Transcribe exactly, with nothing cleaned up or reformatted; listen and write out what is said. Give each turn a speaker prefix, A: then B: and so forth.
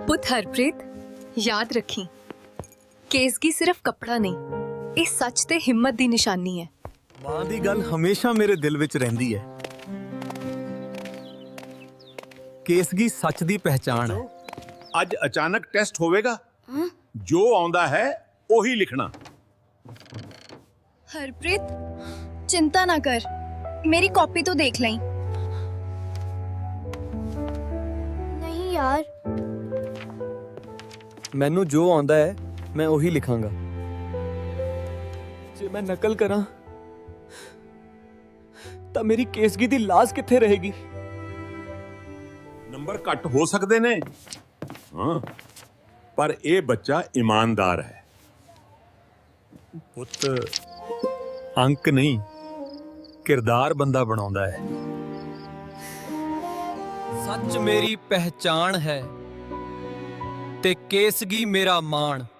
A: ਪੁੱਤ ਹਰਪ੍ਰੀਤ, ਯਾਦ ਰੱਖੀ, ਕੇਸਗੀ ਸਿਰਫ ਕੱਪੜਾ ਨਹੀਂ, ਇਹ ਸੱਚ ਤੇ ਹਿੰਮਤ ਦੀ ਨਿਸ਼ਾਨੀ ਹੈ।
B: ਮਾਂ ਦੀ ਗੱਲ ਹਮੇਸ਼ਾ ਮੇਰੇ ਦਿਲ ਵਿੱਚ ਰਹਿੰਦੀ ਹੈ। ਕੇਸਗੀ ਸੱਚ ਦੀ ਪਹਿਚਾਣ ਹੈ।
C: ਅੱਜ ਅਚਾਨਕ ਟੈਸਟ ਹੋਵੇਗਾ, ਜੋ ਆਉਂਦਾ ਹੈ ਉਹੀ ਲਿਖਣਾ।
A: हरप्रीत, चिंता ना कर, मेरी कॉपी तो देख लें।
D: नहीं यार,
B: ਮੈਨੂੰ ਜੋ ਆਉਂਦਾ ਹੈ ਮੈਂ ਉਹੀ ਲਿਖਾਂਗਾ। ਜੇ ਮੈਂ ਨਕਲ ਕਰਾਂ ਤਾਂ ਮੇਰੀ ਕੇਸਗੀ ਦੀ ਲਾਜ਼ ਕਿੱਥੇ ਰਹੇਗੀ?
C: ਨੰਬਰ ਘੱਟ ਹੋ ਸਕਦੇ ਨੇ, ਹਾਂ, ਪਰ ਇਹ ਬੱਚਾ ਇਮਾਨਦਾਰ ਹੈ।
B: ਪੁੱਤ, ਅੰਕ ਨਹੀਂ, ਕਿਰਦਾਰ ਬੰਦਾ ਬਣਾਉਂਦਾ ਹੈ। ਸੱਚ ਮੇਰੀ ਪਹਿਚਾਣ ਹੈ ਤੇ ਕੇਸਗੀ ਮੇਰਾ ਮਾਣ।